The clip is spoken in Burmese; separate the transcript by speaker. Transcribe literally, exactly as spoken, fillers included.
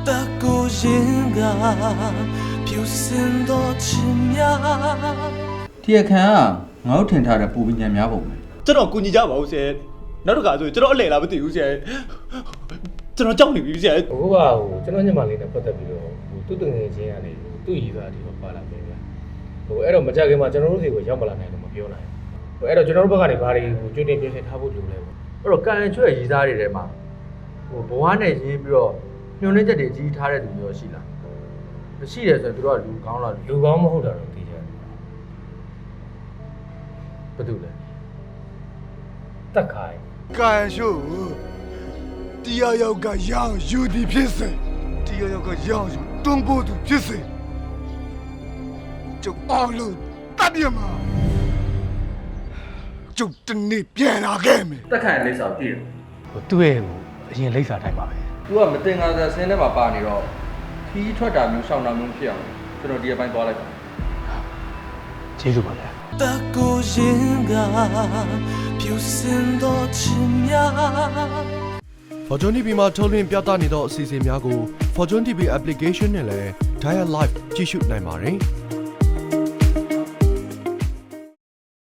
Speaker 1: 的孤影啊，飘散多奇妙。
Speaker 2: တရားခံကငါတို့ထင်ထားတဲ့ပူပညာများပုံပဲ
Speaker 3: ကျွန်တော်ကူညီကြပါဦးဆရာနောက်တစ်ခါဆိုကျွန်တော်အလဲလာမသိဘူးဆရာကျွန်တော်ကြောက်နေပြီဆရာ
Speaker 4: အခုကဟိုကျွန်တော်ညမလေးနဲ့ပတ်သက်ပြီးတော့ဟိုသူ့တငယ်ချင်းကနေသူ့ရည်သားတွေတော့ပါလာပြီဗျာဟိုအဲ့တော့မကြခင်မှာကျွန်တော်တို့စီကိုရောက်မလာနိုင်တော့မပြောနိုင်ဘူးဟိုအဲ့တော့ကျွန်တော်တို့ဘက်ကနေဘာတွေကိုကြွတင်ပြင်ဆင်ထားဖို့လိုလဲပေါ့အဲ့တော့ကန်ချွဲ့ရည်သားတွေထဲမှာဟိုဘဝနဲ့ရေးပြီးတော့ညှို့နှင်းချက်တွေကြီးထားတဲ့သူမျိုးရှိလားမရှိတယ်ဆိုရင်သူတို့ကလူကောင်းလားလူကောင်းမဟုတ်တာတော့သိကြတယ်ဘာတူလဲတက်ခိုင်
Speaker 5: ကန်ရှုတရားရောက်ကရောင်ယူသည်ဖြစ်စေတရားရောက်ကရောင်ယူတွန်းပို့သူဖြစ်စေကျုပ်အောင်လို့တပ်ပြမှာကျုပ်တနေ့ပြန်လာခဲ့မယ်
Speaker 2: တက်ခိုင်လိပ်စာကိုကြည့်
Speaker 4: ဟိုသူ့ရဲ့ဟိုအရင်လိပ်စာတိုင်းပါပဲ
Speaker 2: သူကမတင်ငါစာဆင်းထဲမှာပါနေတော့ခီးထွက်တာမျိုးရှောင်းတာမျိုးဖြစ်အောင်ကျွန်တော်ဒီအပိုင်းသွားလိုက်ပါ
Speaker 4: ကျေးဇူးပါဗျာ
Speaker 1: 的孤影啊，飘散多奇妙。
Speaker 6: Fortune တီ ဗီ မှာထုတ်လွှင့်ပြသနေသောအစီအစဉ်များကို Fortune တီ ဗီ application နဲ့လည်း Dial Live ကြည့်ရှုနိုင်ပါတယ်။